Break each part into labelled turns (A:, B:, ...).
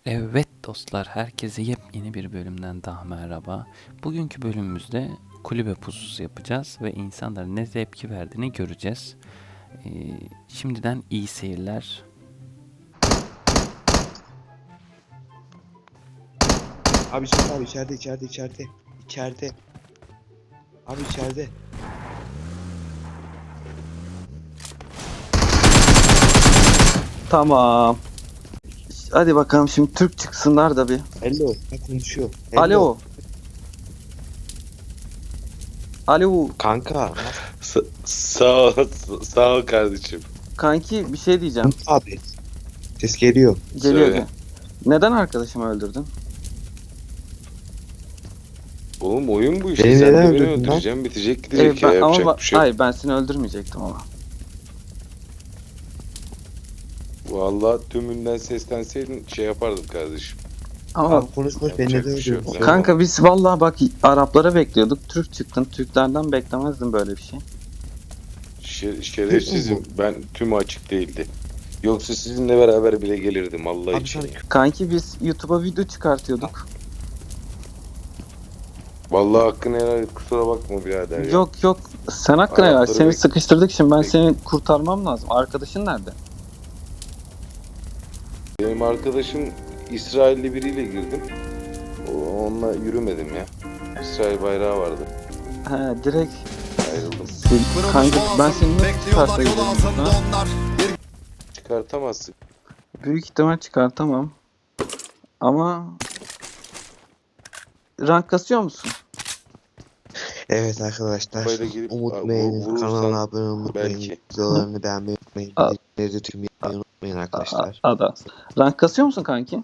A: Evet dostlar, herkese yepyeni bir bölümden daha merhaba. Bugünkü bölümümüzde kulübe pususu yapacağız ve insanların ne tepki verdiğini göreceğiz. Şimdiden iyi seyirler.
B: Abi içeride. İçeride. Abi içeride.
C: Tamam. Hadi bakalım şimdi Türk çıksınlar da bir.
B: Hello. Ha, konuşuyor. Hello.
C: Alo. Alo.
B: Kanka.
D: Sağ ol kardeşim.
C: Kanki bir şey diyeceğim.
B: Abi. Ses geliyor.
C: Geliyor.
D: Söyle.
C: Neden arkadaşımı öldürdün?
D: Oğlum oyun bu işte.
B: Beni
D: Sen
B: neden
D: de beni
B: öldürdün lan?
D: öldüreceksin. Bitecek gidecek ya.
C: Ama
D: Yapacak bir şey yok.
C: hayır, ben seni öldürmeyecektim ama.
D: Vallahi tümünden seslenseydin şey yapardım kardeşim.
C: Ama
B: Abi konuş beni
D: Yapacak
B: neden
D: bir şey yok.
B: öldürdün?
C: kanka biz vallahi bak Araplara bekliyorduk. Türk çıktın. Türklerden beklemezdim böyle bir şey.
D: Şerefsizim. Ben tümü açık değildi. Yoksa sizinle beraber bile gelirdim Allah
B: Abi
D: için
B: sen-
D: ya.
C: Kanki biz YouTube'a video çıkartıyorduk.
D: Vallahi hakkını helal et. Kusura bakma birader ya.
C: Yok. Sen hakkına ya.
D: Arapları
C: Seni
D: bek-
C: sıkıştırdık şimdi. Ben seni kurtarmam lazım. Arkadaşın nerede?
D: Benim arkadaşım İsrailli biriyle girdim. Onunla yürümedim ya. İsrail bayrağı vardı.
C: He, direkt
D: Ayrıldım.
C: kanka ben seni nasıl çıkarsaydım? Ha?
D: Çıkartamazsın.
C: Büyük ihtimal çıkartamam. Ama rank kasıyor musun?
B: Evet arkadaşlar.
D: Böyle girip
B: Unutmayın.
D: vurursan
B: Kanala abone olmayı unutmayın.
D: belki.
B: Videolarını beğenmeyi unutmayın.
C: Al.
B: Bildirimleri tüm yapmayı unutmayın arkadaşlar.
C: Ada. Rank kasıyor musun kanki?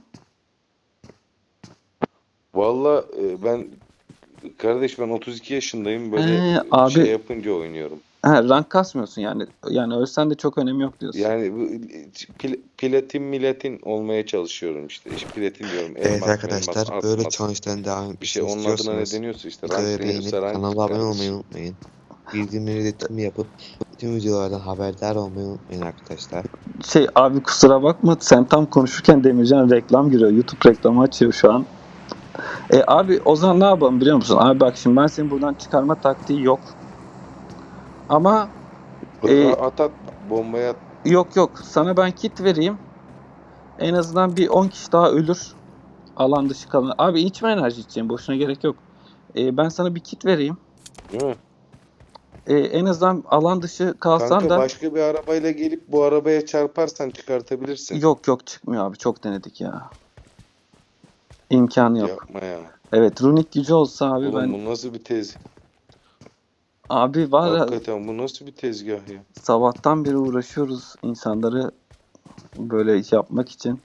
D: Valla ben kardeş ben 32 yaşındayım böyle
C: Abi.
D: şey yapınca oynuyorum.
C: He, rank kasmıyorsun yani. Yani ölsen de çok önemi yok diyorsun.
D: Yani bu platin milatin olmaya çalışıyorum işte. Platin diyorum.
B: Evet
D: Elmas,
B: arkadaşlar
D: elmas,
B: böyle
D: asmas.
B: challenge'ların devam
D: Bir şey
B: etmesini
D: onun adına ne
B: istiyorsanız
D: deniyorsa işte.
B: videoya
D: Rank
B: beğenip
D: deniyorsa rank
B: kanala abone olmayı
D: kardeşim.
B: unutmayın. Bildirimleri de tüm yapıp tüm videolardan haberdar olmayı unutmayın arkadaşlar.
C: Abi kusura bakma, sen tam konuşurken Demircan reklam giriyor. YouTube reklamı açıyor şu an. Abi o zaman ne yapalım biliyor musun? Abi bak şimdi ben seni buradan çıkarma taktiği yok. Ama
D: At bombaya at.
C: yok sana ben kit vereyim. En azından bir 10 kişi daha ölür. Alan dışı kalan. Abi içme enerji içeceğim. Boşuna gerek yok. Ben sana bir kit vereyim.
D: Değil mi?
C: En azından alan dışı kalsan
D: Kanka
C: da
D: başka bir arabayla gelip bu arabaya çarparsan çıkartabilirsin.
C: yok çıkmıyor abi. Çok denedik ya. İmkanı yok.
D: Yapma ya.
C: Evet, runik gücü olsa abi
D: Oğlum
C: ben
D: bu nasıl bir tezgah?
C: abi var ya,
D: Hakikaten bu nasıl bir tezgah ya?
C: sabahtan beri uğraşıyoruz insanları böyle yapmak için.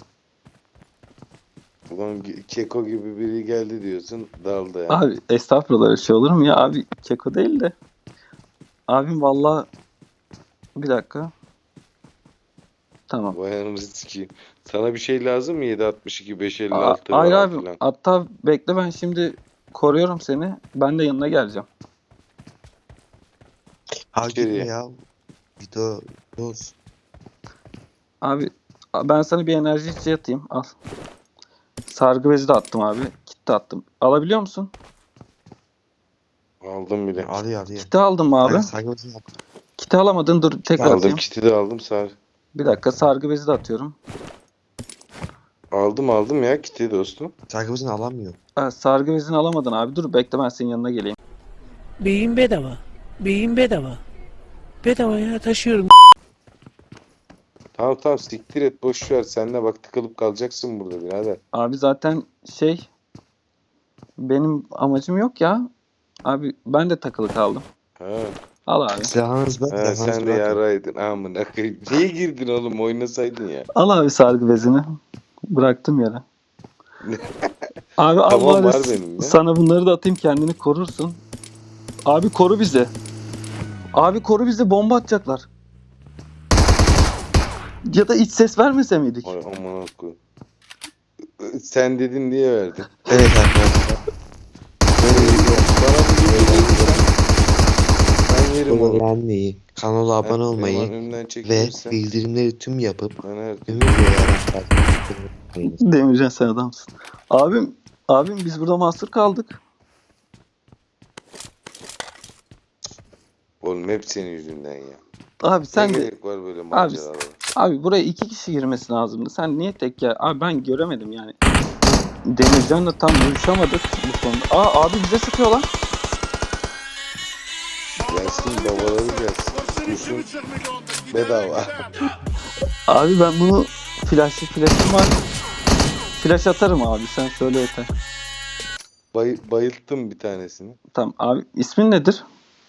D: Ulan keko gibi biri geldi diyorsun daldı ya.
C: Abi estağfurullah, öyle şey olur mu ya abi, keko değil de. Abim valla bir dakika. Tamam.
D: Vay anamızı sikeyim. Sana bir şey lazım mı? 7.62, 5.56
C: Hayır
D: falan
C: abi,
D: filan.
C: hatta bekle, ben şimdi koruyorum seni. Ben de yanına geleceğim.
B: Abi
D: İçeriye.
B: gitme ya. Video dost.
C: Abi ben sana bir enerji içeceği atayım. Al. Sargı bezi de attım abi. Kit de attım. Alabiliyor musun?
D: Aldım bile.
B: Alıyor.
C: Kiti aldın mı abi?
B: Saygımızı yap.
C: Kiti alamadın, dur tekrar
D: Aldım,
C: atayım.
D: kiti de aldım sar.
C: Bir dakika, sargı bezi de atıyorum.
D: Aldım ya kiti dostum.
B: Saygımızı alamıyor.
C: Sargı bezini alamadın abi. Dur bekle, ben senin yanına geleyim.
E: Beyin bedava. Beyin bedava. Bedava ya, taşıyorum.
D: Tamam siktir et boş ver. Sen de bak tıkılıp kalacaksın burada birader.
C: Abi zaten benim amacım yok ya. Abi ben de takılı kaldım.
D: Ha.
C: Al abi.
B: Silahınız bak.
D: Ha, sen de yaraydın amına koyayım. Niye girdin oğlum oynasaydın ya.
C: Al abi sargı bezini. Bıraktım yere. Abi al
D: Tamam,
C: bari
D: var benim ya.
C: sana bunları da atayım, kendini korursun. Abi koru bizi. Abi koru bizi, bomba atacaklar. Ya da hiç ses vermese miydik?
D: Ay amına koyayım. Sen dedin diye verdim.
B: Evet arkadaşlar.
D: Bana bir verirsen ben Çekiyorum
B: videoları
D: oğlum.
B: beğenmeyi, kanala abone olmayı
D: Önümden
B: ve
D: çekilirsen
B: bildirimleri tüm yapıp
D: ben her
B: tüm videolardan takip etmeyi unutmayınız.
C: Demircan sen adamsın. Abim biz burada mahsur kaldık.
D: Oğlum hep senin yüzünden ya.
C: Abi sen
D: ne
C: de
D: gerek var böyle maceralara?
C: abi buraya 2 kişi girmesi lazımdı. Sen niye tek ya? Abi ben göremedim yani. Demircan'la tam uyuşamadık bu konuda. Abi bize sıkıyor lan.
D: Gelsin babaları gelsin. Kurşun bedava.
C: Abi ben bunu flash'ım var. Flash atarım abi sen söyle yeter.
D: Bayılttım bir tanesini.
C: Tamam abi ismin nedir?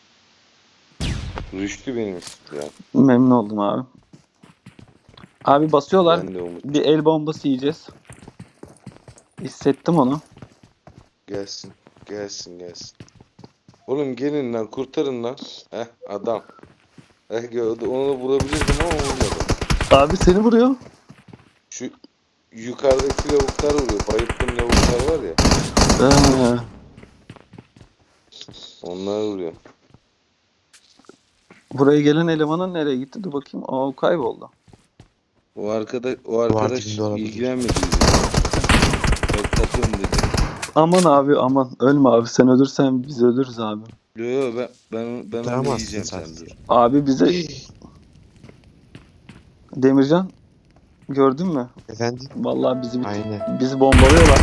D: Rüştü benim ismim ya.
C: Memnun oldum abi. Abi basıyorlar.
D: Ben de Umut.
C: Bir el bombası yiyeceğiz. Hissettim onu.
D: Gelsin. Gelsin. Oğlum gelin lan kurtarın lan. Heh adam. Onu vurabilirdim ama vurmadım.
C: Abi seni vuruyor.
D: Şu yukarıdaki lavuklar vuruyor. Bayılttığım lavuklar var ya.
C: Ee,
D: Onlar vuruyor.
C: buraya gelen elemanın nereye gitti? Dur bakayım. O kayboldu.
D: O arkadaş
B: dibinde olabilir.
D: ilgilenmedi bizimle. Yok takım dedi.
C: Aman abi aman. Ölme abi. Sen ölürsen biz ölürüz abi.
D: Yo ben onu
B: Kurtaramazsın
D: yiyeceğim sen
B: sadece.
D: dur.
C: Abi bize Demircan gördün mü?
B: Efendim?
C: Vallahi
B: Aynen.
C: bizi bombalıyorlar.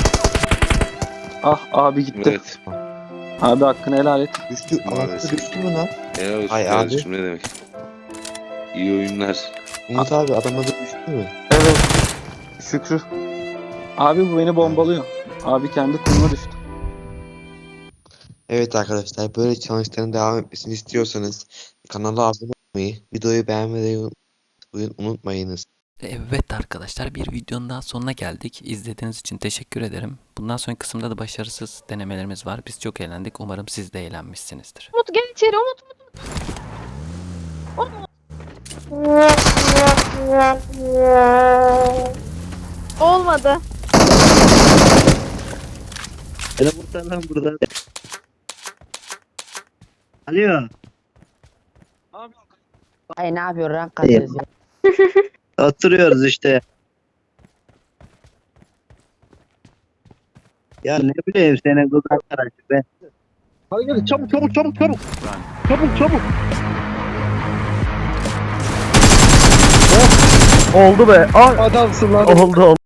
C: Ah abi gitti.
D: Evet.
C: Abi hakkını helal et.
B: Düştü.
D: Maalesef.
B: Anahtar düştü mü lan?
D: Helal olsun
B: Ay
D: kardeşim ne demek. İyi oyunlar.
B: Umut abi adam adı düştü mü?
C: Evet. Şükrü. Abi bu beni bombalıyor. Abi kendi konuma düştü.
B: Evet arkadaşlar böyle challenge'ların devam etmesini istiyorsanız kanala abone olmayı, videoyu beğenmeyi unutmayınız.
A: Evet arkadaşlar, bir videonun daha sonuna geldik. İzlediğiniz için teşekkür ederim. Bundan sonraki kısımda da başarısız denemelerimiz var. Biz çok eğlendik. Umarım siz de eğlenmişsinizdir.
F: Umut gel içeri Umut. Olmadı.
G: Beni kurtar lan buradan. Alo.
H: Ay ne yapıyor rank kasıyoruz ya.
G: Oturuyoruz işte. Ya ne bileyim senin kız arkadaşı ben. Hadi gel çabuk. Çabuk.
I: Oldu be. Adamsın lan. Oldu.